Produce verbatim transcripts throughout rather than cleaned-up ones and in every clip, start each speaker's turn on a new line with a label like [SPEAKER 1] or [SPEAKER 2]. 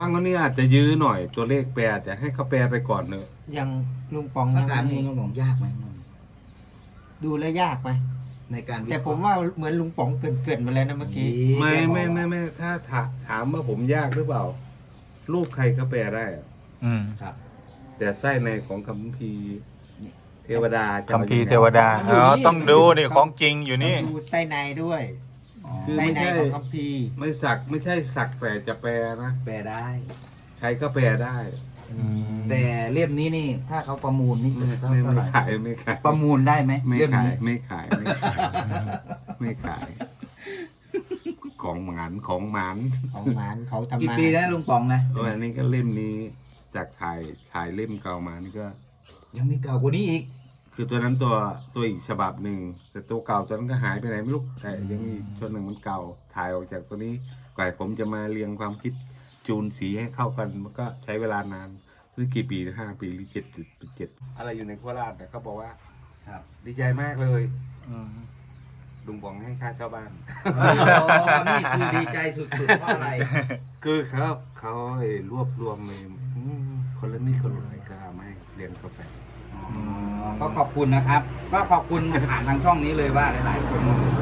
[SPEAKER 1] บางคนนี่อาจจะยื้อหน่อยตัวเลขแปลจะให้เขาแปลไปก่อนเนอะ
[SPEAKER 2] ยังลุงปอง
[SPEAKER 3] ถ้า
[SPEAKER 2] ยัง
[SPEAKER 3] การ
[SPEAKER 2] ไม่
[SPEAKER 3] นี้ลุงป๋องยากไหมมัน
[SPEAKER 2] ดูแลวยากไหม
[SPEAKER 3] ในการวิเค
[SPEAKER 2] แต่
[SPEAKER 3] ราะห์
[SPEAKER 2] ผมว่าเหมือนลุงป๋องเกินเกินมาแล้วนะเมื่อกี้
[SPEAKER 1] ไม่ไม่ไม่ไม่ถ้าถาถามว่าผมยากหรือเปล่า รูปใครก็แปลได้อะ
[SPEAKER 4] อืม
[SPEAKER 3] ครับ
[SPEAKER 1] แต่ไส้ในของคัมภีร์เทวดาจะ
[SPEAKER 4] คัม
[SPEAKER 1] อา
[SPEAKER 4] ภีร์
[SPEAKER 1] ยังไง
[SPEAKER 4] เทวดาอ๋อต้องดูนี่ของจริงอยู่นี่
[SPEAKER 2] ดูไส้ในด้วย
[SPEAKER 1] คือ
[SPEAKER 2] ไส้
[SPEAKER 1] ไม่
[SPEAKER 2] ใน
[SPEAKER 1] ใช่
[SPEAKER 2] ของคัมภีร์
[SPEAKER 1] ไม่สักไม่ใช่สักแต่จะแปลนะ
[SPEAKER 3] แปลได้
[SPEAKER 1] ใครก็แปลได้
[SPEAKER 3] แต่เล่มนี้นี่ ถ้าเขาประมูลนี่
[SPEAKER 1] ไม่
[SPEAKER 3] จะเท่า
[SPEAKER 1] ไม่
[SPEAKER 3] ไห
[SPEAKER 1] ไม่
[SPEAKER 3] ร่
[SPEAKER 1] ขายไม่ขาย
[SPEAKER 3] ประมูลได้ไหม
[SPEAKER 1] ไม่
[SPEAKER 3] เล่ม
[SPEAKER 1] ขาย
[SPEAKER 3] นี้
[SPEAKER 1] ไม่ขายไม่ขายไม่ขาย ของหมานของหมาน
[SPEAKER 2] ของหมานเขาทำ
[SPEAKER 3] กี่
[SPEAKER 2] มา
[SPEAKER 3] ปีแล้วลุงป๋องนะ
[SPEAKER 1] โอ้ยอันนี้ก็เล่มนี้จากถ่ายถ่ายเล่มเก่ามานี่ก็
[SPEAKER 3] ยังมีเก่ากว่านี้อีก
[SPEAKER 1] คือตัวนั้นตัวตัวอีกฉบับหนึ่งแต่ตัวเก่าตัวนั้นก็หายไปไหนไม่รู้แต่ยังมีส่วนหนึ่งมันเก่าถ่ายออกจากตัวนี้กว่าผมจะมาเรียงความคิดจูนสีให้เข้ากันมันก็ใช้เวลานานหรือกี่ปีห้าปีหรือเจ็ดเจ็ดอะไรอยู่ในโคราชแต่เขาบอกว่า
[SPEAKER 3] ครับ
[SPEAKER 1] ดีใจมากเลย
[SPEAKER 4] อืม
[SPEAKER 1] ลุงบอกให้ค่าเช่าบ้าน
[SPEAKER 3] โอ้นี่คือดีใจสุดๆเพราะอะไร
[SPEAKER 1] คือเขาเขาให้รวบรวมเลยอืมคนละนิดคนละหน่อยก็เอามาให้เรียนกาแฟ
[SPEAKER 3] อ๋อก็ขอบคุณนะครับ ก็ขอบคุณผ่านทางช่องนี้เลยว่าหลายๆคน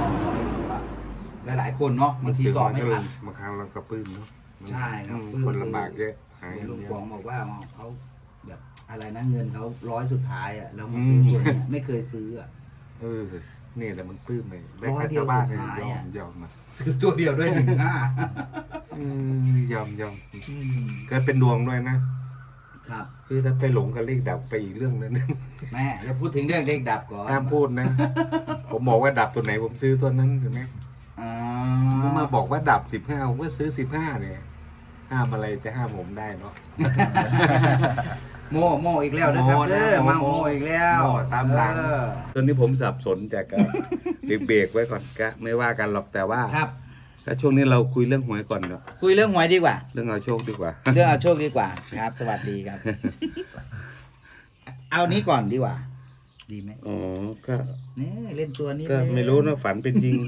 [SPEAKER 3] หลายๆคนเนาะบางทีตอบไม่ทัน
[SPEAKER 1] บางครั้งเราก็ปลื้มเนาะ
[SPEAKER 3] ใช่ครับ
[SPEAKER 1] อืม
[SPEAKER 3] ปลื้ม
[SPEAKER 1] คนลำบากเยอะหาย
[SPEAKER 3] ลุง
[SPEAKER 1] เย
[SPEAKER 3] ป๋อง
[SPEAKER 1] อะ
[SPEAKER 3] บอกว่าเขาแบบอะไรนะเงินเขาร้อยสุดท้ายอ่ะแล้วมาซื้อตัวเนี้ยไม่เคยซื้ออ่ะ
[SPEAKER 1] เออนี่แหละมันปลื้มเลยได้
[SPEAKER 3] ร้อย
[SPEAKER 1] ค่า
[SPEAKER 3] เดียว
[SPEAKER 1] เช่าบ้านเนี่ย
[SPEAKER 3] สุดท้าย
[SPEAKER 1] ยอ
[SPEAKER 3] อะ
[SPEAKER 1] มยอมมา
[SPEAKER 3] ซื้อตัวเดียวด้วยหนึ่งห้า
[SPEAKER 1] อืมยอมยอมก็เป็นดวงด้วยนะ
[SPEAKER 3] ครับ
[SPEAKER 1] คือถ้าไปหลงกับเลขดับไปอีกเรื่องนึง
[SPEAKER 3] แม่อย่าพูดถึงเรื่องเด็กดับก่อน
[SPEAKER 1] ห้ามพูดนะ ผมบอกว่าดับตัวไหนผมซื้อตัวนั้นถูกไหม
[SPEAKER 3] อ๋อ
[SPEAKER 1] ผมมาบอกว่าดับสิบห้าผมก็ซื้อสิบห้าเนี่ยห้ามอะไรจะห้ามผมได้เนาะ
[SPEAKER 3] โมโมอีกแล้วนะครับ
[SPEAKER 1] โม่นะ
[SPEAKER 3] เด้อมา
[SPEAKER 1] โม่
[SPEAKER 3] โมอีกแล้ว
[SPEAKER 1] โม่ตามหลัง
[SPEAKER 3] เออ
[SPEAKER 1] ตอนนี้ผมสับสนจากก็ เบรกๆไว้ก่อนก็ไม่ว่ากันหรอกแต่ว่า
[SPEAKER 3] ครับ
[SPEAKER 1] ก็ช่วงนี้เราคุยเรื่องหวยก่อนเนาะ
[SPEAKER 3] คุยเรื่องหวยดีกว่า
[SPEAKER 1] เรื่องเอาโชคดีกว่า
[SPEAKER 3] เรื่องเอาโชคดีกว่าครับ สวัสดีครับ เอานี้ก่อนดีกว่า ดีไหม
[SPEAKER 1] อ๋อก็
[SPEAKER 3] นี่เล่นตัวนี้
[SPEAKER 1] ก็
[SPEAKER 3] เลย
[SPEAKER 1] ไม่รู้นะฝันเป็นจริง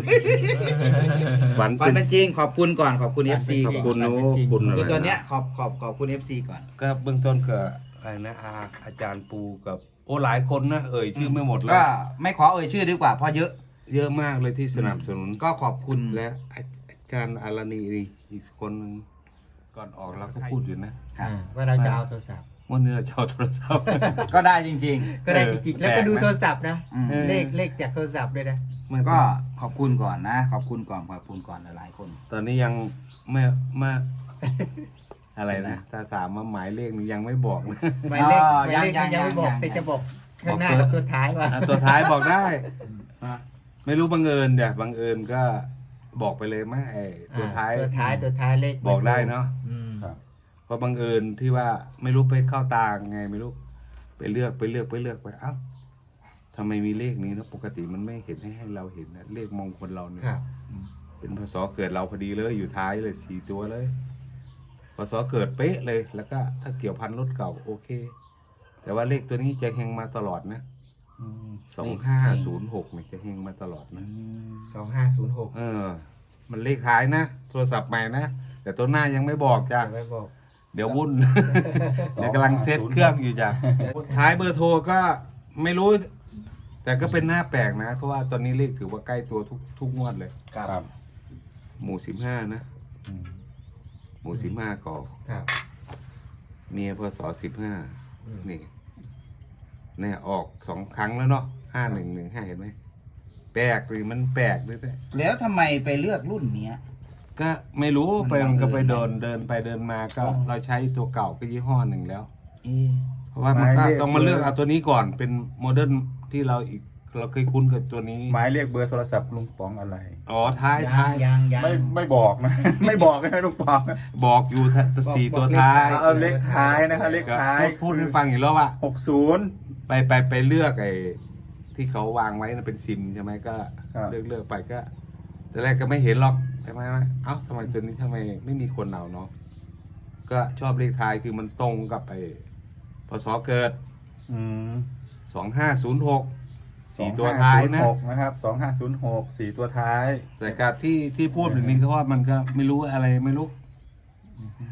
[SPEAKER 1] ฝัน
[SPEAKER 3] ฟั
[SPEAKER 1] เป็น น
[SPEAKER 3] เป็นจริงขอบคุณก่อนขอบคุณ เอฟ ซี
[SPEAKER 1] ขอบคุณนะ
[SPEAKER 3] ก่อน
[SPEAKER 1] คุณอะไร
[SPEAKER 3] คือตัวเนี้ย
[SPEAKER 1] นะ
[SPEAKER 3] ขอบขอบขอบคุณ เอฟ ซี ก่อน
[SPEAKER 1] ก็เบื้องต้นก็อะไรนะอาอาจารย์ปูกับ โอ้หลายคนนะเอ่ยชื่อไม่หมดแล้
[SPEAKER 3] ก็
[SPEAKER 1] ว
[SPEAKER 3] ไม่ขอเอ่ยชื่อดีกว่าเพราะเยอะ
[SPEAKER 1] เยอะมากเลยที่สนับสนุน
[SPEAKER 3] ก็ขอบคุณ
[SPEAKER 1] และอาจารย์อารานีอีกคนหนึงก่อนออกเราก็พูดอยู่นะครับ
[SPEAKER 2] ว่าเราจะเอาโทรศัพท์
[SPEAKER 1] วันนี้เราจะเอาโทรศัพท์
[SPEAKER 3] ก็ได้จริง
[SPEAKER 2] ก็ได้จริงๆแล้วก็ดูโทรศัพท์นะ
[SPEAKER 3] อืม
[SPEAKER 2] เลขเลขจากโทรศัพท์ด้วยนะ
[SPEAKER 3] ๆ ก็ขอบคุณก่อนนะ ขอบคุณก่อนขอบคุณก่อนหลายๆคน
[SPEAKER 1] ตอนนี้ยังไม่ไม่ อะไรนะถ้าถามว่าหมายเลขนี้ยังไม่บอกนะ
[SPEAKER 2] หมายเลข
[SPEAKER 3] อ๋อ
[SPEAKER 2] หมายเลข
[SPEAKER 3] ยั
[SPEAKER 2] นี่
[SPEAKER 3] ง
[SPEAKER 2] ยังไม่บอก
[SPEAKER 3] ยัง
[SPEAKER 2] แต่จะบอกข้างหน้า
[SPEAKER 1] บอกตัว
[SPEAKER 2] กับตัวท้ายว่า
[SPEAKER 1] อ่ะตัวท้ายบอกได้ ไม่รู้บังเอิญเดี๋ยวบังเอิญก็บอกไปเลยไหมไอ้ตัวท้าย
[SPEAKER 2] ตัวท้ายตัวท้ายเลข
[SPEAKER 1] บอกได้เนาะ
[SPEAKER 2] อืม
[SPEAKER 1] เพราะบังเอิญที่ว่าไม่รู้ไปเข้าตาไงไม่รู้ไปเลือกไปเลือกไปเลือกไปเอ้าทำไมมีเลขนี้นะปกติมันไม่เห็นให้ให้เราเห็นนะเลขมงคลเราเนี่ย
[SPEAKER 2] ครับ
[SPEAKER 1] เป็นพศเกิดเราพอดีเลยอยู่ท้ายเลยสี่ตัวเลยพศเกิดเป๊ะเลย แล้วก็ถ้าเกี่ยวพันรถเก่าโอเค แต่ว่าเลขตัวนี้จะเฮงมาตลอดนะสองห้าศูนย์หกเนี่ยจะเฮงมาตลอดนะ
[SPEAKER 2] สองห้าศูนย์หก
[SPEAKER 1] เออ มันเลขท้ายนะโทรศัพท์ใหม่นะแต่ตัวหน้ายังไม่บอกจ้ะ
[SPEAKER 2] ไม่บอก
[SPEAKER 1] เดี๋ยววุ่น เดี๋ยวกำลังเซตเครื่องอยู่จ้ะท้ายเบอร์โทรก็ไม่รู้ แต่ก็เป็นหน้าแปลกนะ เพราะว่าตอนนี้เลขถือว่าใกล้ตัวทุกทุกงวดเลย
[SPEAKER 3] ครับ
[SPEAKER 1] หมู่สิบห้านะหมู่สิบห้าก่อ
[SPEAKER 2] ครับ
[SPEAKER 1] เมียพศสิบห้านี่เนี่ยออกสองครั้งแล้วเนาะห้าหนึ่งหนึ่งห้าเห็นไหมแปลกหรือมันแปลกด้วยแต่
[SPEAKER 3] แล้วทำไมไปเลือกรุ่นเนี้ย
[SPEAKER 1] ก็ไม่รู้
[SPEAKER 3] มัน
[SPEAKER 1] ไป
[SPEAKER 3] บั
[SPEAKER 1] มัน
[SPEAKER 3] งเอิญ
[SPEAKER 1] ก็ไปเดินเดินไปเดินมาก็
[SPEAKER 3] อ๋อ
[SPEAKER 1] เราใช้ตัวเก่าก็ยี่ห้อหนึ่งแล้ว
[SPEAKER 3] เอ๊ะ
[SPEAKER 1] เพราะว่ามันก็
[SPEAKER 4] หมายเลข
[SPEAKER 1] ต้องมาเลือกเอาตัวนี้ก่อนเป็นโมเดิร์นที่เราอีกเราเคยคุ้นกับตัวนี้
[SPEAKER 4] หมายเรียกเบอร์โทรศัพท์ลุงป๋องอะไร
[SPEAKER 1] อ๋อท้าย
[SPEAKER 3] ยั
[SPEAKER 1] ท้าง ย
[SPEAKER 3] ยังยัง
[SPEAKER 4] ไม่ไม่บอกนะ ไม่บอกให้ลุงป๋อง
[SPEAKER 1] บอกอยู่ทะสี่ตัวท้าย
[SPEAKER 4] เอาเลขท้ายนะคะเลข
[SPEAKER 1] ก็
[SPEAKER 4] ท้าย
[SPEAKER 1] พูดพูดให้ฟังอีกแล้วว่า
[SPEAKER 4] หกศูนย์
[SPEAKER 1] ไปไปไปเลือกไอ้ที่เขาวางไว้นะเป็นซิมใช่ไหมก็
[SPEAKER 4] ครับ
[SPEAKER 1] เลือกเลือกไปก็แต่แรกก็ไม่เห็นหรอกใช่ไหมว่าเอ้าทำไมตัวนี้ทำไมไม่มีคนเอาเนาะก็ชอบเลขท้ายคือมันตรงกับไอ้พศเกิด
[SPEAKER 4] อืม
[SPEAKER 1] สองห้าศูนย์หก
[SPEAKER 4] สอ
[SPEAKER 1] สี่
[SPEAKER 4] ง
[SPEAKER 1] ตัว
[SPEAKER 4] ห้า
[SPEAKER 1] ท้าย
[SPEAKER 4] ศูนย์
[SPEAKER 1] นะ
[SPEAKER 4] หกนะครับสองห้าศูนย์หกสี่ตัวท้าย
[SPEAKER 1] แต่การที่ที่พูดแบบนี้ก็ว่ามันก็ไม่รู้อะไรไม่รู้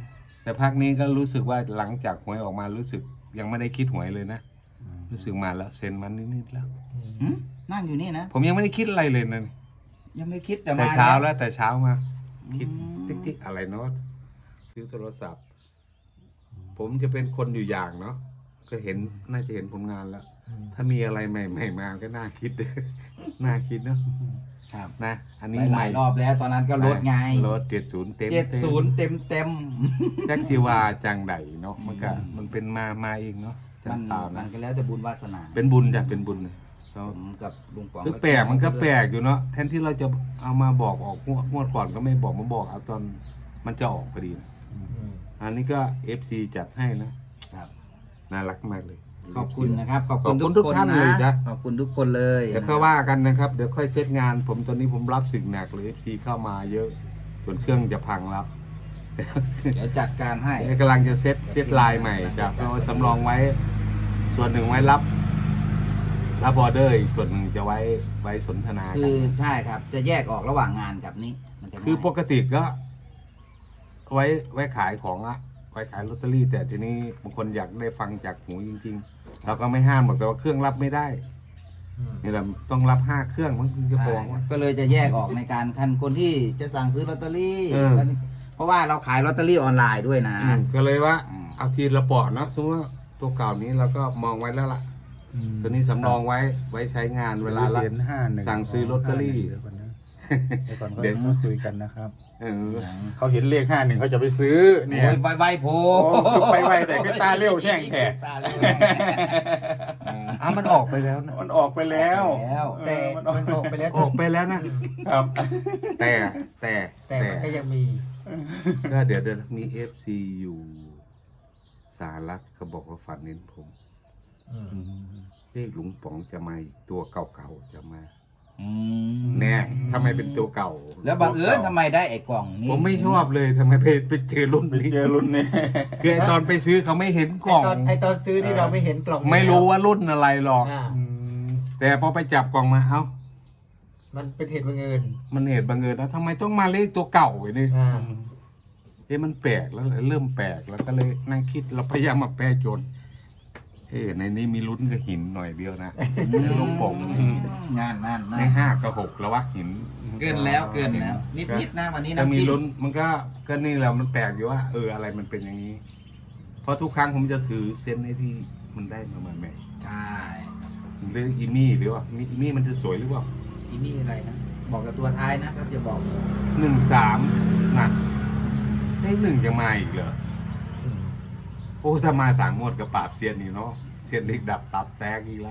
[SPEAKER 1] แต่ภาคนี้ก็รู้สึกว่าหลังจากหวยออกมารู้สึกยังไม่ได้คิดหวยเลยนะรู้สึกมาแล้วเซ็นมันนิดๆแล้ว
[SPEAKER 3] หืมนั่งอยู่นี่นะ
[SPEAKER 1] ผมยังไม่ได้คิดอะไรเลยนะ
[SPEAKER 3] ยังไม่คิดแต่
[SPEAKER 1] แต่
[SPEAKER 3] มา
[SPEAKER 1] เช้า
[SPEAKER 3] แล้ว
[SPEAKER 1] แล้วแต่เช้ามา คิด
[SPEAKER 3] อืม
[SPEAKER 1] ติ๊กๆอะไรเนาะซื้อโทรศัพท์ ผมจะเป็นคนอยู่อย่างเนาะก็เห็นน่าจะเห็นผลงานแล้ว ถ้ามีอะไรใหม่ๆมาก็น่าคิด น่าคิดเนาะ
[SPEAKER 3] ครับ
[SPEAKER 1] นะอัน
[SPEAKER 3] ห
[SPEAKER 1] นี้
[SPEAKER 3] ลาย
[SPEAKER 1] ให
[SPEAKER 3] ห
[SPEAKER 1] ม่
[SPEAKER 3] ลายรอบแล้วตอนนั้นก็ลดไง
[SPEAKER 1] รถเจ็ดศูนย์เต็ม
[SPEAKER 3] เจ็ดศูนย์เต็มเต็ม
[SPEAKER 1] แท็กซี่วาจังไดเนาะมันก็มันเป็นมามาเองเนาะจา
[SPEAKER 3] มั
[SPEAKER 1] ก
[SPEAKER 3] น
[SPEAKER 1] เปล่า
[SPEAKER 3] มั
[SPEAKER 1] นะ
[SPEAKER 3] นก็แล้วแต่บุญวาสนา
[SPEAKER 1] เป็นบุญจ้ะเป็นบุญเลยเขา
[SPEAKER 3] ผมกับลุงป๋อง
[SPEAKER 1] คือแปลกมันก็แปลกอยู่เนาะแทนที่เราจะเอามาบอกออกงวดงวดก่อนก็ไม่บอกมาบอกเอาตอนมันจะออกพอดีนะอันนี้ก็ เอฟ ซี จัดให้นะครับ น่ารักมากเลย
[SPEAKER 3] ขอบคุณนะครับขอบ
[SPEAKER 1] ขอบคุ
[SPEAKER 3] คุณ
[SPEAKER 1] ณ
[SPEAKER 3] ทุ
[SPEAKER 1] ทุ
[SPEAKER 3] ก
[SPEAKER 1] ก
[SPEAKER 3] คน
[SPEAKER 1] ท่านเลยจ้ะ
[SPEAKER 3] ขอบคุณทุกคนเลย
[SPEAKER 1] เดี๋ยวค่อยว่ากันนะครับเดี๋ยวค่อยเซตงาน ผมตอนนี้ผมรับสิ่งหนักเลย เอฟ ซี เข้ามาเยอะจนเครื่องจะพังแล้ว
[SPEAKER 3] เดี๋ยวจัดการให้
[SPEAKER 1] กำลังจะเซตเซตไลน์ใหม่จะเอาสำรองไว้ ส่วนหนึ่งไว้รับ รับออเดอร์อีกส่วนหนึ่งจะไว้ไว้สนทนา
[SPEAKER 3] คื
[SPEAKER 1] กัน
[SPEAKER 3] อใช่ครับ จะแยกออกระหว่างงานกับนี้มันจะ
[SPEAKER 1] คือป
[SPEAKER 3] ง่าย
[SPEAKER 1] กติก็ ไว้ไว้ขายของอะไว้ขายลอตเตอรี่ แต่ทีนี้บางคนอยากได้ฟังจากหูจริงๆเราก็ไม่ห้ามหรอกแต่ว่าเครื่องรับไม่ได้นี่แหละต้องรับห้าเครื่องมันถึงจะพอ
[SPEAKER 3] ใช่ครับก็เลยจะแยกออกในการคันคนที่จะสั่งซื้อลอตเตอรี่
[SPEAKER 1] เออ
[SPEAKER 3] เพราะว่าเราขายลอตเตอรี่ออนไลน์ด้วยนะ
[SPEAKER 1] อืมก็เลยว่า
[SPEAKER 3] อืม
[SPEAKER 1] เอาทีละปอดเนาะสมมติว่าตัวเก่านี้เราก็มองไว้แล้วล่ะ ตัวนี้สำรองไว้ไว้ใช้งานเวลาละ
[SPEAKER 4] เหรียญห้าหนึ่ง
[SPEAKER 1] สั่งซื้อลอตเตอรี่
[SPEAKER 4] เดี๋ยวก่อนนะเดี๋ยวก่อน
[SPEAKER 1] เดี๋ยว
[SPEAKER 4] ก็คุยกันนะครับ
[SPEAKER 1] เออ
[SPEAKER 4] เขาเห็นเลขห้าหนึ่งเขาจะไปซื้อเนี่ย
[SPEAKER 3] โอ้ยไวๆโพ
[SPEAKER 4] โอ้คือไปไวแต่คือตาเร็วแช่งแท้
[SPEAKER 3] ตาเร็ว
[SPEAKER 1] อ่ะมันออกไปแล้วนะ
[SPEAKER 4] มันออกไปแล้ว
[SPEAKER 3] แล้ว
[SPEAKER 2] แต่
[SPEAKER 4] เออมันออก
[SPEAKER 2] มันออกไปแล้ว
[SPEAKER 1] ออกไปแล้วนะ
[SPEAKER 4] ครับ
[SPEAKER 1] แต่แต่
[SPEAKER 2] แต่มันก็ยังมี
[SPEAKER 1] ก็เดี๋ยวเดี๋ยวมีเอฟซีอยู่สหรัฐเขาบอกว่าฝันเห็นผม เลขหลุงป๋องจะมาอีกตัวเก่าๆจะมา
[SPEAKER 3] อืม
[SPEAKER 1] แน่ทำไมเป็นตัวเก่า
[SPEAKER 3] แล้วบังเอิญทำไมได้ไอ้กล่องนี้
[SPEAKER 1] ผมไม่ชอบเลยทำไมไปไปเจอรุ่น
[SPEAKER 4] ไป
[SPEAKER 1] นี้
[SPEAKER 4] เจอรุ่นนี้
[SPEAKER 1] คือไอ้ตอนไปซื้อเขาไม่เห็นก
[SPEAKER 2] ไอ
[SPEAKER 1] ล่อง
[SPEAKER 2] ตอนไอตอนซื้อนี่เราไม่เห็นกล่อง
[SPEAKER 1] ไม่รู้ว่ารุ่นอะไรหรอก
[SPEAKER 2] อ่า
[SPEAKER 4] อืม
[SPEAKER 1] แต่พอไปจับกล่องมาเอ้า
[SPEAKER 2] มันเป็นเหตุบังเอิญ
[SPEAKER 1] มันเหตุบังเอิญแล้วทำไมต้องมาเลขตัวเก่าไว้นี่
[SPEAKER 2] อ่า
[SPEAKER 1] เอ๊ะมันแปลกแล้วเริ่มแปลกแล้วก็เลยนั่งคิดเราพยายามมาแปลจนเอ๊ะในนี้มีลุ้นกับหินหน่อยเดียวนะหลวงป๋อง
[SPEAKER 3] งานนั่น
[SPEAKER 1] ใน
[SPEAKER 3] นะ
[SPEAKER 1] ห้ากับหกแล้ววะหิน
[SPEAKER 3] เกินแล้วเกินแล้ว นิดนิดๆนะวันนี้
[SPEAKER 1] ถ้า
[SPEAKER 3] นะ
[SPEAKER 1] มีลุ้นมันก็ก็นี่แหละมันแปลกอยู่ว่าเอออะไรมันเป็นอย่างนี้ เพราะทุกครั้งผมจะถือเส้นไอ้ที่มันได้มาใหม่
[SPEAKER 3] ใช่
[SPEAKER 1] ๆหรืออีมี่หรือว่ามีอีมี่มันจะสวยหรือเปล่า
[SPEAKER 3] อีนี่อะไรนะบอกกับตัวท้ายนะครับจะบอก
[SPEAKER 1] หนึ่งสามหนักได้หนึ่งจะมาอีกเหรอโอ้ถ้ามาสามงวดกับปราบเซียนนี่เนาะเซียนเล็กดับตับแตกอีกแล้ว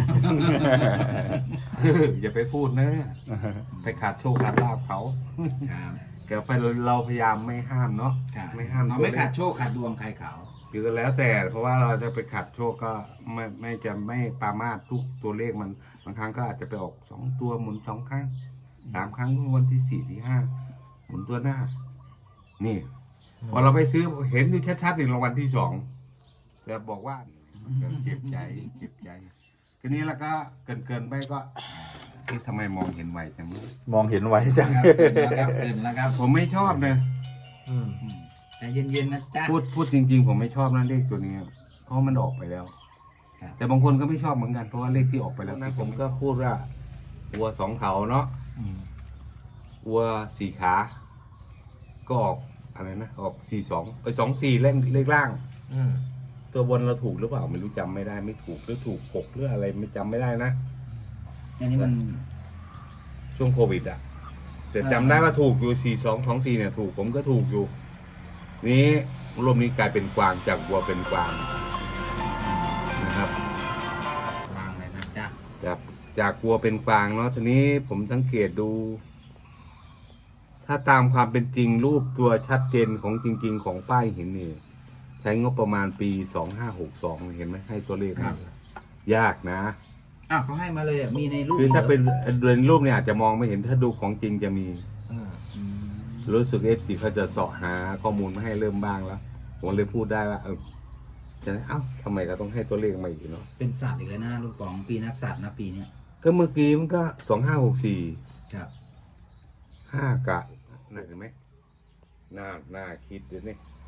[SPEAKER 1] อย่าไปพูดนะ ไปขาดโชคขาดลาบเขา
[SPEAKER 3] ครับ
[SPEAKER 1] เดี๋ยวไปเราพยายามไม่ห้ามเนาะ
[SPEAKER 3] ครับ
[SPEAKER 1] ไม่ห้าม
[SPEAKER 3] เราไม่ขาดโชคขาดดวงใครเขา
[SPEAKER 1] คือก็แล้วแต่ เพราะว่าเราจะไปขัดโชคก็ไม่ไม่จะไม่ปรามาสทุกตัวเลขมันบางครั้งก็อาจจะไปออกสองตัวหมุนสองครั้งสามครั้งวันที่สี่ที่ห้าหมุนตัวหน้า นี่พอเราไปซื้อเห็นอยู่ชัดๆในรางวัลที่สองแต่บอกว่าก็เจ็บใจเจ็บใจทีนี้แล้วก็เกินเกินๆไปก็เอ๊ะทำไมมองเห็นไวจังเลย
[SPEAKER 4] มองเห็นไว้จัง
[SPEAKER 3] ครับเกินแล้วครับเกินแล้วครับ
[SPEAKER 1] ผมไม่ชอบนะ
[SPEAKER 2] อืม
[SPEAKER 3] อืมใจเย็นๆนะจ๊ะ
[SPEAKER 1] พูดพูดจริง ๆ ผมไม่ชอบนะเลขตัวนี้ เพราะมันออกไปแล้ว
[SPEAKER 3] ครับ
[SPEAKER 1] แต่บางคนก็ไม่ชอบเหมือนกันเพราะว่าเลขที่ออกไปแล้วนะผมก็พูดว่าวัวสองเขาเนาะวัวสี่ขา ก็ออกอะไรนะออกสี่สองไปสองสี่เลขเลขล่าง
[SPEAKER 2] อืม
[SPEAKER 1] ตัวบนเราถูกหรือเปล่าไม่รู้จำไม่ได้ไม่ถูกหรือถูกหกหรืออะไรไม่จำไม่ได้นะ
[SPEAKER 3] อันนี้มัน
[SPEAKER 1] ช่วงโควิดอะแต่จำได้ว่าถูกอยู่สี่สองสองสี่เนี่ยถูกผมก็ถูกอยู่ นี้รวมนี้กลายเป็นกวางจากวัวเป็นกวางนะครับ
[SPEAKER 3] วางเลยนะจ๊ะ
[SPEAKER 1] จากจากวัวเป็นกวางเนาะทีนี้ผมสังเกตดู ถ้าตามความเป็นจริงรูปตัวชัดเจนของจริง ๆ ของป้ายหินนี่ใช้งบประมาณปีสองห้าหกสองเห็นไหมให้ตัวเลขมายากนะ
[SPEAKER 3] อ้าวเขาให้มาเลยอ่ะมีในรูป
[SPEAKER 1] คือถ้าเป็น
[SPEAKER 3] หร
[SPEAKER 1] เดินรูปเนี่ยอาจจะมองไม่เห็นถ้าดูของจริงจะมี
[SPEAKER 2] อืม
[SPEAKER 3] อืม
[SPEAKER 1] รู้สึกเอฟซีเขาจะเสาะหาข้อมูลมาให้เริ่มบ้างแล้ว ผมเลยพูดได้ว่าเออจะได้เอ้าทำไมก็ต้องให้ตัวเลขมาอีกเนาะ
[SPEAKER 3] เป็นสัตว์อีกแล้วนะลูกป๋องปีนักสัตว์นะปีเนี้ย
[SPEAKER 1] ก็เมื่อกี้มันก็สองห้าหกสี่
[SPEAKER 3] ครับ
[SPEAKER 1] ห้ากะน่าเห็นไหมน่าน่าคิดเดี๋ยวนี้ห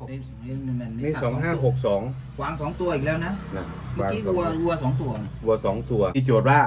[SPEAKER 3] นี่นี่มัน
[SPEAKER 1] นี่สองห้าหกสอง
[SPEAKER 3] กวางสองตัวอีกแล้วนะ
[SPEAKER 1] นะ
[SPEAKER 3] เมื่อกี้วัววัวสองตัวนะ
[SPEAKER 1] วัวสองตัวที่โจทย์ว่า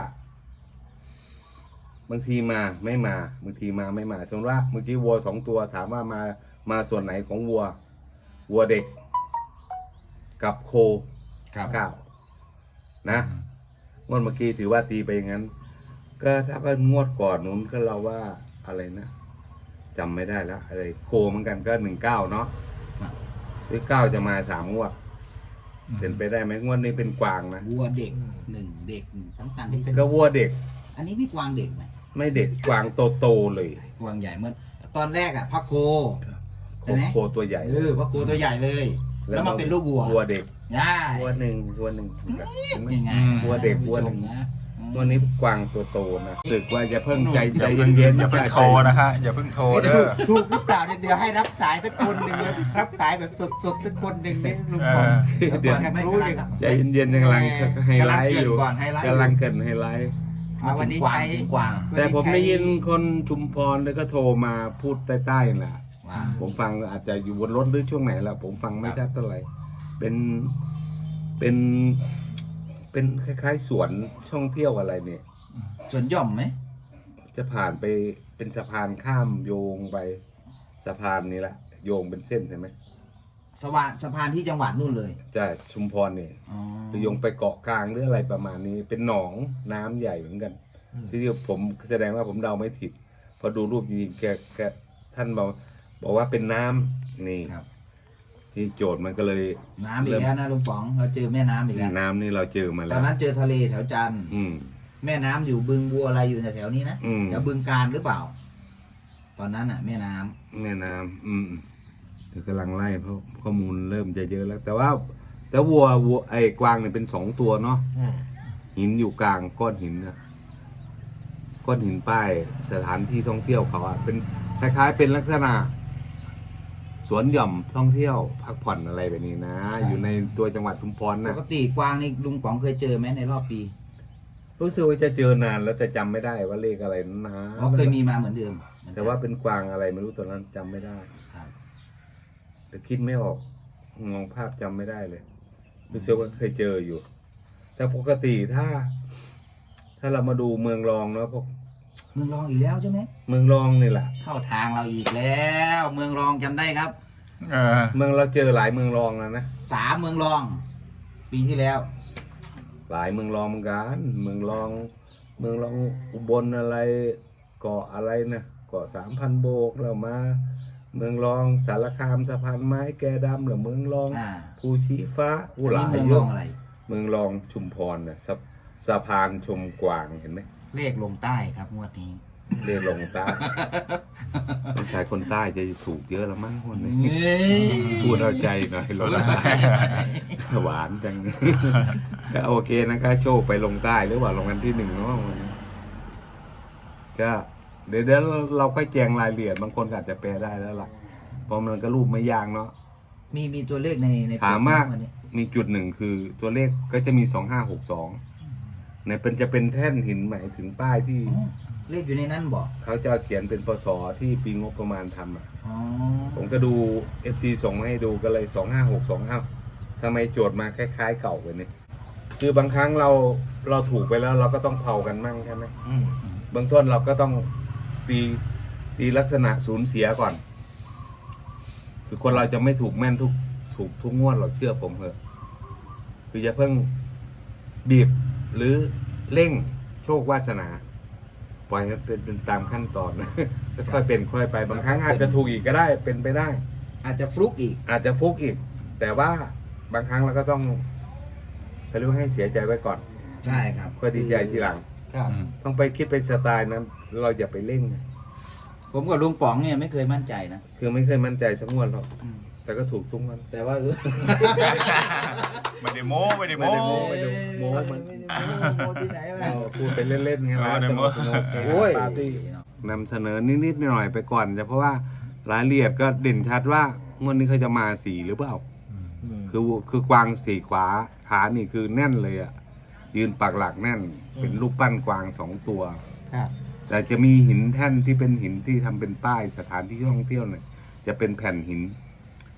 [SPEAKER 1] บางทีมาไม่มาบางทีมาไม่มาสมมติว่าเมื่อกี้วัวสองตัวถามว่ามามาส่วนไหนของวัว วัวเด็ก กับโค
[SPEAKER 3] ครับ
[SPEAKER 1] เก้านะงวดเมื่อกี้ถือว่าตีไปอย่างนั้น ก็ถ้าเป็นงวดก่อนนู้นก็เราว่าอะไรนะจำไม่ได้แล้วอะไรโคเหมือนกันก็หนึ่งเก้าเนาะ
[SPEAKER 3] ครับ
[SPEAKER 1] หรือเก้าจะมาสามงวดเป็นไปได้ไหมงวดนี้เป็นกวางนะ
[SPEAKER 3] วัวเด็กหนึ่งเด็กหนึ่งสำคัญที่สุด
[SPEAKER 1] ก็วัวเด็ก
[SPEAKER 3] อันนี้พี่กวางเด็กไหม
[SPEAKER 1] ไม่เด็กกวางโตโตๆเลย
[SPEAKER 3] กวางใหญ่เมื่อตอนแรกอ่ะพระโค
[SPEAKER 1] โค
[SPEAKER 3] ใช่ไหม
[SPEAKER 1] โคตัวใหญ่
[SPEAKER 3] เออพระโคตัวใหญ่เลย แล้วมาเป็นลูกวัว
[SPEAKER 1] วัวเด็ก
[SPEAKER 3] ใช่
[SPEAKER 1] วัวหนึ่งวัวหนึ่ง
[SPEAKER 3] ยังไง
[SPEAKER 1] วัวเด็กวัวหนึ่ง
[SPEAKER 3] นะ
[SPEAKER 1] วันนี้กวางตัวโตนะรู้สึกว่าจะเพิ่งใจใจเย็นๆ
[SPEAKER 4] อย่าเพิ่งโทรนะคะ อย่าเพิ่งโทรเด้อ
[SPEAKER 2] ถูกหรือเปล่าเนี่ยเดี๋ยวให้รับสายสักคนหนึ่งเลยรับสายแบบสดๆสักคนหนึ่งเนี่ยลุงปอง
[SPEAKER 3] เดี๋ยวก่อนไม่
[SPEAKER 2] รู้
[SPEAKER 3] กำ
[SPEAKER 2] เล
[SPEAKER 3] ลั
[SPEAKER 2] ย
[SPEAKER 3] งครับ
[SPEAKER 1] ใจเย็นๆกำลังไฮไลท์อยู่
[SPEAKER 3] กำลังเกริ่นก่อนไฮไลท์
[SPEAKER 1] กำลังเกินไฮไลท์
[SPEAKER 3] มาถึงกวางถึงกวาง
[SPEAKER 1] แต่ผมได้ยินคนชุมพรแล้วก็โทรมาพูดใต้ๆน่ะ
[SPEAKER 3] ว่า
[SPEAKER 1] ผมฟังอาจจะอยู่บนรถหรือช่วงไหนแล้วผมฟังไม่ชัดเท่าไหร่เป็นเป็น เป็นคล้ายๆสวนท่องเที่ยวอะไรเนี่ย
[SPEAKER 3] ส่วนย่อมไหม
[SPEAKER 1] จะผ่านไปเป็นสะพานข้ามโยงไปสะพานนี้แหละโยงเป็นเส้นใช่ไหม
[SPEAKER 3] สวะสะพานที่จังหวัดนู่นเลย
[SPEAKER 1] จะชุมพรเนี่ย
[SPEAKER 3] อ๋อ
[SPEAKER 1] หรือโยงไปเกาะกลางหรืออะไรประมาณนี้ เป็นหนองน้ำใหญ่เหมือนกัน ที่ผมแสดงว่าผมเดาไม่ผิดพอดูรูปจริงๆแกแกท่านบอกบอกว่าเป็นน้ำนี่
[SPEAKER 3] ครับ
[SPEAKER 1] ที่โจทย์มันก็เลย
[SPEAKER 3] น้ำอีกแล้วนะลุงป๋องเราเจอแม่น้ำอีกแล้ว
[SPEAKER 1] น้ำนี่เราเจอมา
[SPEAKER 3] ต
[SPEAKER 1] แล้
[SPEAKER 3] อน
[SPEAKER 1] ว
[SPEAKER 3] นั้นเจอทะเลแถวจันทร์
[SPEAKER 1] อืม
[SPEAKER 3] แม่น้ำอยู่บึงบัวอะไรอยู่แถวๆนี้นะ
[SPEAKER 1] อืม
[SPEAKER 3] แถวบึงการหรือเปล่า ตอนนั้นอ่ะ แม่น้ำ
[SPEAKER 1] แม่น้ำอืมเดี๋ยวกำลังไล่เพราะข้อมูลเริ่มจะเยอะแล้ว แต่ว่า แต่วัววัวไอ้กวางเนี่ยเป็นสองตัวเนาะ
[SPEAKER 2] อืม
[SPEAKER 1] หินอยู่กลางก้อนหินนะก้อนหินป้ายสถานที่ท่องเที่ยวเขาอะเป็นคล้ายๆเป็นลักษณะ สวนหย่อมท่องเที่ยวพักผ่อนอะไรแบบนี้นะ อยู่ในตัวจังหวัดชุมพร
[SPEAKER 3] ป
[SPEAKER 1] นะ
[SPEAKER 3] กติกวางนี่ลุงป๋องเคยเจอไหมในรอบปี
[SPEAKER 1] รู้สึกว่าจะเจอนานแล้วแต่จำไม่ได้ว่าเลขอะไรนะ
[SPEAKER 3] อ๋อเคยมีมาเหมือนเดิม
[SPEAKER 1] แต่ว่าเป็นกวางอะไรไม่รู้ตอนนั้นจำไม่ได้
[SPEAKER 3] ครับ
[SPEAKER 1] แต่คิดไม่ออกมองภาพจำไม่ได้เลยรู้สึกว่าเคยเจออยู่ แต่ปกติถ้า ถ้าเรามาดูเมืองรองเนาะพวก
[SPEAKER 3] เมืองรองอีกแล้วใช่ไหม
[SPEAKER 1] เมืองรองนี่แหละ
[SPEAKER 3] เข้าทางเราอีกแล้ว เมืองรองจำได้ครับ
[SPEAKER 4] เออ
[SPEAKER 1] เมืองเราเจอหลายเมืองรองแล้วนะ
[SPEAKER 3] สามเมืองรอง ปีที่แล้ว
[SPEAKER 1] หลายเมืองรองเหมือนกันเมืองรอง เมืองรองอุบลอะไรเกาะอะไรนะเกาะสามพันโบกเรามา เมืองรองสารคามสะพานไม้แกดำหรือเมืองรอง
[SPEAKER 3] อ่า
[SPEAKER 1] ภูชีฟ้า
[SPEAKER 3] อั
[SPEAKER 1] อุ
[SPEAKER 3] น
[SPEAKER 1] หลา
[SPEAKER 3] นี้
[SPEAKER 1] ย
[SPEAKER 3] เมือง
[SPEAKER 1] เย
[SPEAKER 3] รอ
[SPEAKER 1] อะ
[SPEAKER 3] งอะไร
[SPEAKER 1] เมืองรองชุมพรนะสะสะพานชมกวางเห็นไหม
[SPEAKER 3] เลขลงใต้ครับงวดนี้
[SPEAKER 1] เรียนลงใต้ผู้ชายคนใต้จะถูกเยอะแล้วมั้งคนนี้
[SPEAKER 3] เฮ้ย
[SPEAKER 1] พูดเอาใจหน่อยลงใต้หวานจัง ก็โอเคนะก็โชคไปลงใต้หรือว่าลงกันที่หนึ่งเนาะวันนี้ก็เดี๋ยวเดี๋ยวเราค่อยแจงรายละเอียดบางคนอาจจะแปลได้แล้วล่ะเพราะมันก็รูปไม่ยากเนาะ
[SPEAKER 3] มีมีตัวเลขในใน
[SPEAKER 1] ถามว่า
[SPEAKER 3] วันนี้
[SPEAKER 1] มีจุดหนึ่งคือตัวเลขก็จะมีสองห้าหกสองเนี่ยเป็นจะเป็นแท่นหินหมายถึงป้ายที่
[SPEAKER 3] อ๋อเลขอยู่ในนั้นบอก
[SPEAKER 1] เขาจะเขียนเป็นพศที่ปีงบประมาณทำอ่ะ
[SPEAKER 3] อ๋อ
[SPEAKER 1] ผมก็ดู เอฟ ซี ส่งมาให้ดูก็เลยสองห้าหกสองอ้าวทำไมโจทย์มาคล้ายๆเก่าเลยเนี่ยคือบางครั้งเราเราถูกไปแล้วเราก็ต้องเผากันมั่งใช่ไหม
[SPEAKER 2] อืม
[SPEAKER 1] เบื้องต้นเราก็ต้องตีตีลักษณะสูญเสียก่อน คือคนเราจะไม่ถูกแม่นทุกถูกทุกงวดเราเชื่อผมเถอะคืออย่าเพิ่งบีบหรือเร่งโชควาสนา ปล่อยให้เป็นเป็นตามขั้นตอนนะ ค่อยเป็นค่อยไปบางครั้งอาจจะถูกอีกก็ได้เป็นไปได้
[SPEAKER 3] อาจจะฟลุกอีก
[SPEAKER 1] อาจจะฟุกอีก แต่ว่าบางครั้งเราก็ต้องเขาเรียกว่าให้เสียใจไว้ก่อน
[SPEAKER 3] ใช่ครับ
[SPEAKER 1] ค่อยดีใจทีหลัง
[SPEAKER 2] ครับ
[SPEAKER 1] ต้องไปคิดไปสไตล์นั้น เราอย่าไปเร่ง
[SPEAKER 3] ผมกับลุงป๋องเนี่ยไม่เคยมั่นใจนะ
[SPEAKER 1] คือไม่เคยมั่นใจสักงวดหรอกแต่ก็ถูกทุกงวัน
[SPEAKER 3] แต่ว่า
[SPEAKER 4] ไม่ได้โม้ไม่ได้โม้
[SPEAKER 1] ไม่ได้โม้
[SPEAKER 3] ไม่ได้โม้โม้ที่ไหนวะ
[SPEAKER 1] เราพูดไปเล่นๆไง
[SPEAKER 4] เอ
[SPEAKER 1] นะ
[SPEAKER 4] อ
[SPEAKER 1] ส
[SPEAKER 4] เดี๋ยว
[SPEAKER 1] นุกสนุก
[SPEAKER 3] โอ้ย
[SPEAKER 1] ปาร์ตี้นำเสนอนิดๆหน่อยๆไปก่อนจะเพราะว่ารายละเอียดก็เด่นชัดว่างวดนี้เขาจะมาสี่หรือเปล่า คือคือกวางสี่ขวาขานี่คือแน่นเลยอ่ะยืนปักหลักแน่น เป็นรูปปั้นกวางสองตัว
[SPEAKER 2] ครับ
[SPEAKER 1] แต่จะมีหินแท่นที่เป็นหินที่ทำเป็นป้ายสถานที่ท่องเที่ยวเนี่ยจะเป็นแผ่นหิน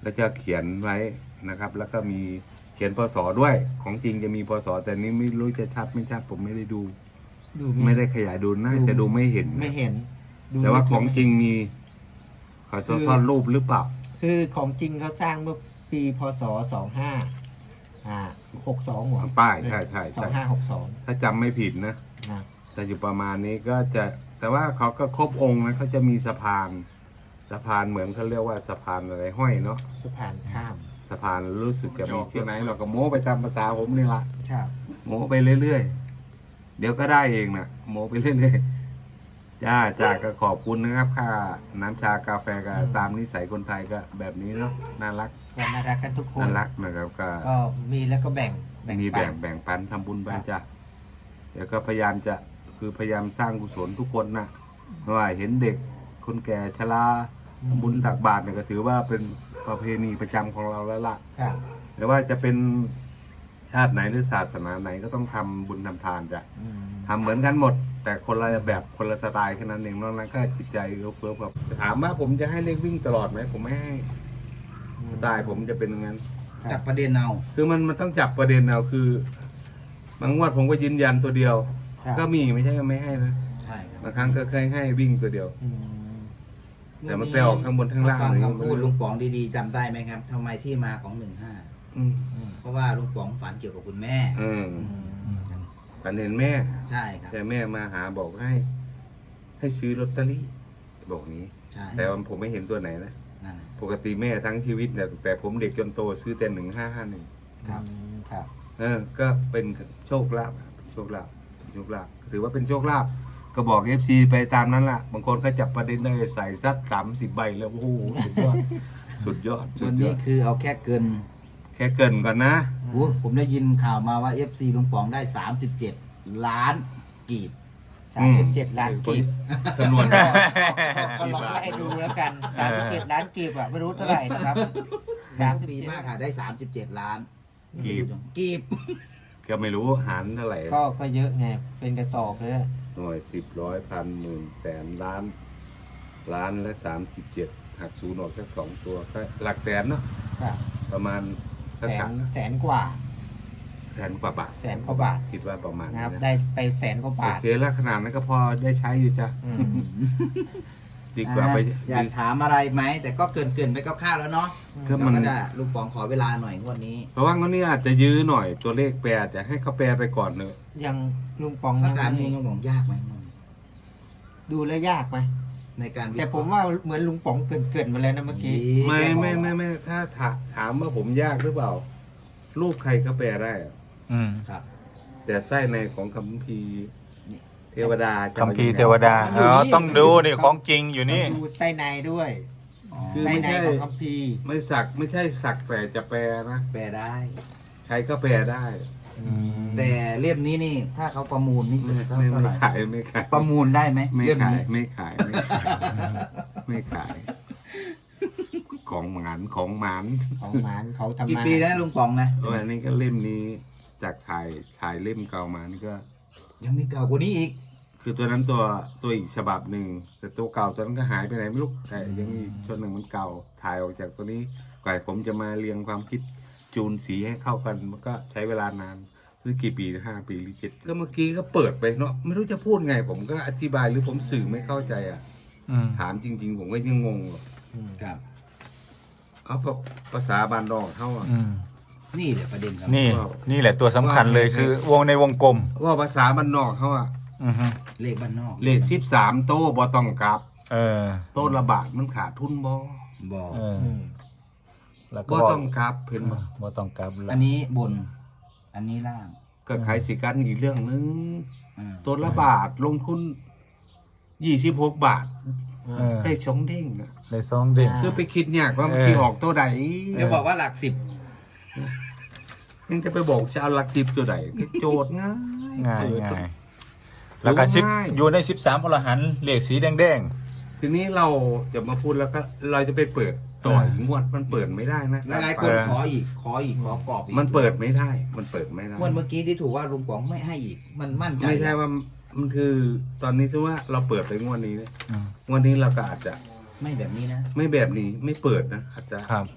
[SPEAKER 1] แล้วจะเขียนไว้นะครับ แล้วก็มีเขียนพศด้วยของจริงจะมีพศแต่นี้ไม่รู้จะชัดไม่ชัดผมไม่ได้ดู
[SPEAKER 2] ดู
[SPEAKER 1] ไม่ได้ขยายดูน่าจะดูไม่เห็น
[SPEAKER 2] ไม่เห็นดู
[SPEAKER 1] แต่ว่าของจริงมีขอซ่อนรูปหรือเปล่า
[SPEAKER 2] คือของจริงเขาสร้างเมื่อปีพศสองห้าอ่าหกสองหัว
[SPEAKER 1] ป้ายใช่ใช่
[SPEAKER 2] สอ
[SPEAKER 1] ใช่
[SPEAKER 2] งห้าหกสอง
[SPEAKER 1] ถ้าจำไม่ผิดนะ
[SPEAKER 2] นะ
[SPEAKER 1] แต่อยู่ประมาณนี้ก็จะแต่ว่าเขาก็ครบองค์นะเขาจะมีสะพานสะพานเหมือนเขาเรียกว่าสะพานอะไรห้อยเนาะ
[SPEAKER 2] สะพานข้าม
[SPEAKER 1] สะพานรู้สึกจะมีที่ไหนเราก็โม้ไปตามภาษาผมนี่ละ
[SPEAKER 2] ครับ
[SPEAKER 1] โม้ไปเรื่อยๆเดี๋ยวก็ได้เองนะโม้ไปเรื่อยๆจ้าจ้าก็ขอบคุณนะครับค่าน้ำชากาแฟก็ตามนิสัยคนไทยก็แบบนี้เนาะน่ารัก
[SPEAKER 2] ก็น่ารักกันทุกคน
[SPEAKER 1] น่ารักนะครับก็
[SPEAKER 2] ก็มีแล้วก็แบ่ง
[SPEAKER 1] มี
[SPEAKER 2] ปั
[SPEAKER 1] แบ่
[SPEAKER 2] น
[SPEAKER 1] งแบ่งปันทำบุญไป
[SPEAKER 2] ครับ
[SPEAKER 1] จ้ะเดี๋ยวก็พยายามจะคือพยายามสร้างกุศลทุกคนนะไม่ว่าเห็นเด็กคนแก่ชราทำบุญตักบาตรเนี่ยก็ถือว่าเป็นประเพณีประจำของเราแล้วล่ะ
[SPEAKER 2] ครับ
[SPEAKER 1] แต่ว่าจะเป็นชาติไหนหรือศาสนาไหนก็ต้องทำบุญทำทานจ้ะ
[SPEAKER 2] อืม
[SPEAKER 1] ทำเหมือนกันหมด แต่คนละแบบคนละสไตล์แค่นั้นเองนอกนั้นก็จิตใจเอื้อเฟื้อแบบถามว่าผมจะให้เลขวิ่งตลอดไหมผมไม่ให้สไตล์ผมจะเป็นอย่างนั้น
[SPEAKER 3] จับประเด็นเอา
[SPEAKER 1] คือมันมันต้องจับประเด็นเอาคือบางงวดผมก็ยืนยันตัวเดียว
[SPEAKER 2] ครับ
[SPEAKER 1] ก็มีไม่ใช่ก็ไม่ให้นะ
[SPEAKER 3] ใช่ครับ
[SPEAKER 1] บางครั้งก็เคยให้วิ่งตัวเดียว
[SPEAKER 2] อืม
[SPEAKER 1] แต่มันไปออกข้างบนข้างล่าง
[SPEAKER 3] ฟัง
[SPEAKER 1] เลย
[SPEAKER 3] คำพูดลุงป๋องดีๆจำได้ไหมครับทำไมที่มาของหนึ่งห้า
[SPEAKER 1] อืม
[SPEAKER 2] อืม
[SPEAKER 3] เพราะว่าลุงป๋องฝันเกี่ยวกับคุณแม่
[SPEAKER 1] อืม
[SPEAKER 2] อืม
[SPEAKER 1] ปันเห็นแม่
[SPEAKER 3] ใช่ครับ
[SPEAKER 1] แต่แม่มาหาบอกให้ ให้ซื้อลอตเตอรี่บอกนี้
[SPEAKER 3] ใช่
[SPEAKER 1] แต่ว่าผมไม่เห็นตัวไหนนะ
[SPEAKER 3] นั่นแหละ
[SPEAKER 1] ปกติแม่ทั้งชีวิตเนี่ยแต่ผมเด็กจนโตซื้อแต่หนึ่งห้าห้าหนึ่ง
[SPEAKER 3] ครับ
[SPEAKER 2] อืมครับ
[SPEAKER 1] เออ ก็เป็นโชคลาภโชคลาภโชคลาภถือว่าเป็นโชคลาภก็บอกเอฟซีไปตามนั้นล่ะ บางคนก็จับประเด็นได้ใส่ซัดสามสิบใบแล้วโอ้โหสุดยอด สุดยอดสุ
[SPEAKER 3] วั
[SPEAKER 1] ด
[SPEAKER 3] น
[SPEAKER 1] ย
[SPEAKER 3] นี้
[SPEAKER 1] อด
[SPEAKER 3] คือเอาแค่เกิน
[SPEAKER 1] แค่เกรินก่อนนะ
[SPEAKER 3] โอ้ผมได้ยินข่าวมาว่า เอฟ ซี ลุงป๋องได้ สามสิบเจ็ด ล้านกีบ
[SPEAKER 2] สามสิบเจ็ดล้านกีบ
[SPEAKER 1] จำนวน
[SPEAKER 2] ก็ลองไล่ดูแล้วกันสามสิบเจ็ดล้านกีบอ่ะไม่รู้เท่าไหร่นะครับสามสิบ
[SPEAKER 3] ดี
[SPEAKER 2] เจ็ด
[SPEAKER 3] มากค่ะได้ สามสิบเจ็ด ล้าน
[SPEAKER 1] กีบ
[SPEAKER 3] กีบ
[SPEAKER 1] ก็ไม่รู้หารเท่าไหร่
[SPEAKER 2] ก็ก็เยอะไงเป็นกระสอบเลยอะ
[SPEAKER 1] หน่วยสิบร้อยพันหมื่นแสนล้าน ล้านและสามสิบเจ็ดหักศูนย์ออกสักสองตัวก็หลักแสนเนาะ
[SPEAKER 2] ครับ
[SPEAKER 1] ประมาณ
[SPEAKER 2] แส
[SPEAKER 1] สักสาน ม
[SPEAKER 2] แสนกว่า
[SPEAKER 1] แสนกว่าบาท
[SPEAKER 2] แสนกว่าบาท
[SPEAKER 1] คิดว่าประมาณ
[SPEAKER 2] นะ
[SPEAKER 1] นี้
[SPEAKER 2] ครับ
[SPEAKER 1] นะ
[SPEAKER 2] ได้ไปแสนกว่า
[SPEAKER 1] โอบ
[SPEAKER 2] าท
[SPEAKER 1] เคแล้วขนาดนั้นก็พอได้ใช้อยู่จ้ะ
[SPEAKER 2] อืม
[SPEAKER 1] ดีกว่าไป
[SPEAKER 3] อ่ะอยากถามอะไรไหม แต่ก็เกินเกินๆไปคร่าวๆแล้วเนาะ
[SPEAKER 1] ก็
[SPEAKER 3] เรา
[SPEAKER 1] มัน
[SPEAKER 3] ก็จะลุงป๋องขอเวลาหน่อยงวดนี้
[SPEAKER 1] เพราะว่างั้นนี่อาจจะยื้อหน่อยตัวเลขแปลจะให้เขาแปลไปก่อนเนอะ
[SPEAKER 2] ยังลุงปอง
[SPEAKER 3] ถ้า
[SPEAKER 2] ยัง
[SPEAKER 3] ถามจริงลุงป๋องยากไหมงวดนี้
[SPEAKER 2] ดูแล้วยากไหม
[SPEAKER 3] ในการวิเค
[SPEAKER 2] แต่
[SPEAKER 3] ราะห์
[SPEAKER 2] ผมว่าเหมือนลุงป๋องเกินเกินๆมาแล้วนะเมื่อกี้
[SPEAKER 1] ไม่
[SPEAKER 3] แกบอก
[SPEAKER 1] ไม่ไม่ไม่ถ้าถาถามว่าผมยากหรือเปล่า รูปใครก็แปลได้อะ
[SPEAKER 4] อืม
[SPEAKER 3] ครับ
[SPEAKER 1] แต่ไส้ในของคัมภีร์เทวดาจะ
[SPEAKER 4] คัมภีร์เทวดาอ๋อต้องดูนี่ของจริงอยู่นี่
[SPEAKER 2] ดูไส้ในด้วย
[SPEAKER 3] อ๋อ
[SPEAKER 1] คือ
[SPEAKER 2] ไส้
[SPEAKER 1] ไม่
[SPEAKER 2] ใน
[SPEAKER 1] ใช่
[SPEAKER 2] ของคัมภีร์
[SPEAKER 1] ไม่สักไม่ใช่สักแต่จะแปลนะ
[SPEAKER 3] แปลได้
[SPEAKER 1] ใครก็แปลได้
[SPEAKER 3] แต่เล่มนี้นี่ ถ้าเขาประมูลนี่
[SPEAKER 1] ไม่
[SPEAKER 3] จะเท่า
[SPEAKER 1] ไม่
[SPEAKER 3] ไห
[SPEAKER 1] ไม่
[SPEAKER 3] ร่
[SPEAKER 1] ขายไม่ขาย
[SPEAKER 3] ประมูลได้ไหม
[SPEAKER 1] ไม่
[SPEAKER 3] เล่ม
[SPEAKER 1] ขาย
[SPEAKER 3] นี้
[SPEAKER 1] ไม่ขายไม่ขายไม่ขาย ของหมานของหมาน
[SPEAKER 2] ของหมานเขาทำ
[SPEAKER 3] กี่
[SPEAKER 2] มา
[SPEAKER 3] ปีแล้วลุงป๋องนะ
[SPEAKER 1] โอ้ยอันนี้ก็เล่มนี้จากถ่ายถ่ายเล่มเก่ามานี่ก็
[SPEAKER 3] ยังมีเก่ากว่านี้อีก
[SPEAKER 1] คือตัวนั้นตัวตัวอีกฉบับหนึ่งแต่ตัวเก่าตัวนั้นก็หายไปไหนไม่รู้แต่ยังมีชุดหนึ่งมันเก่าถ่ายออกจากตัวนี้กว่าผมจะมาเรียงความคิดจูนสีให้เข้ากันมันก็ใช้เวลานานหรือกี่ปีห้าปีหรือเจ็ดก็เมื่อกี้ก็เปิดไปเนาะไม่รู้จะพูดไง ผมก็อธิบายหรือผมสื่อไม่เข้าใจอ่ะ
[SPEAKER 4] อืม
[SPEAKER 1] ถามจริง ๆ ผมก็ยังงงอ่ะ
[SPEAKER 2] อืม
[SPEAKER 3] ครับ
[SPEAKER 1] เอาภาษาบานดองเขาอ่ะ
[SPEAKER 4] อืม
[SPEAKER 3] นี่แหละประเด็นครับ
[SPEAKER 4] นี่นี่แหละตัวสำคัญเลยคือวงในวงกลม
[SPEAKER 1] ว่าภาษาบานนอกเขาอ่ะ
[SPEAKER 4] อือฮึ
[SPEAKER 3] เลขบ้านนอก
[SPEAKER 1] เลขสิบสามโต้บอต้องกลับ
[SPEAKER 4] เออ
[SPEAKER 1] โต้ระบาดมันขาดทุนบอ
[SPEAKER 3] บอก
[SPEAKER 4] เออ
[SPEAKER 2] อืม
[SPEAKER 4] แล้วก็
[SPEAKER 1] บอ
[SPEAKER 4] บอก
[SPEAKER 1] ต้องกลับเห็นบอ
[SPEAKER 4] บ่ต้องกลับละ
[SPEAKER 3] อันนี้บน อันนี้ล่าง
[SPEAKER 1] ก็ขายสิกันอีกเรื่องนึง
[SPEAKER 3] อ่า
[SPEAKER 1] ตัวละบาทลงทุนยี่สิบหกบาท
[SPEAKER 4] เออ
[SPEAKER 1] ได้ชงเด้งอะ
[SPEAKER 4] ได้ซองเด้ง
[SPEAKER 1] คือไปคิดเนี่ยว่ามัน
[SPEAKER 4] เออ
[SPEAKER 1] ที่ออกตัวใด
[SPEAKER 3] เดี๋ยวบอกว่าหลักสิบ
[SPEAKER 1] ยังจะไปบอกจะเอาหลักสิบตัวใดก็โจทย์ง่าย
[SPEAKER 4] ง่าย
[SPEAKER 1] เออ
[SPEAKER 4] ง่ายแล้วก็สิบ
[SPEAKER 1] ง่าย
[SPEAKER 4] อยู่ในสิบสามอรหันต์เลขสีแดง
[SPEAKER 1] ทีนี้เราจะมาพูดแล้วก็เราจะไปเปิดต่ออีกงวดมันเปิดไม่ได้นะ
[SPEAKER 3] หลายๆคนขออีก ขออีก ขอกรอบอีก
[SPEAKER 1] มันเปิดไม่ได้ มันเปิดไม่ได้
[SPEAKER 3] งวดเมื่อกี้ที่ถูกว่าลุงป๋องไม่ให้อีก มันมั่นใจ
[SPEAKER 1] ไม่ใช่ว่ามันคือตอนนี้คือว่าเราเปิดไปงวดนี้เนี่ย
[SPEAKER 4] ๆอืม
[SPEAKER 1] งวดนี้เราก็อาจจะ
[SPEAKER 3] ไม่แบบนี้นะ
[SPEAKER 1] ไม่แบบนี้ไม่เปิดนะอาจจะ
[SPEAKER 4] ครับ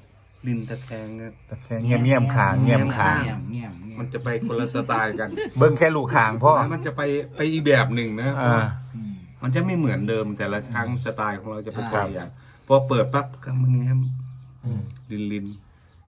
[SPEAKER 1] ลินตะแคงนะ
[SPEAKER 4] ตะแคงเงียบเงียบๆขางเงียบขาง
[SPEAKER 3] เงียบเงียบเงียบ
[SPEAKER 1] มันจะไปคนละสไตล์กัน
[SPEAKER 4] เบิ้งแค่ลูกขางพ่อ
[SPEAKER 1] แล้วมันจะไปไปอีกแบบหนึ่งนะ
[SPEAKER 4] อ่า
[SPEAKER 3] อืม
[SPEAKER 1] มันจะไม่เหมือนเดิมแต่ละครั้งสไตล์ของเราจะเป็น
[SPEAKER 3] ใช่
[SPEAKER 1] ตัวอย่างพอเปิดปั๊บก็มันแง้ม
[SPEAKER 4] อืม
[SPEAKER 1] ลินลิน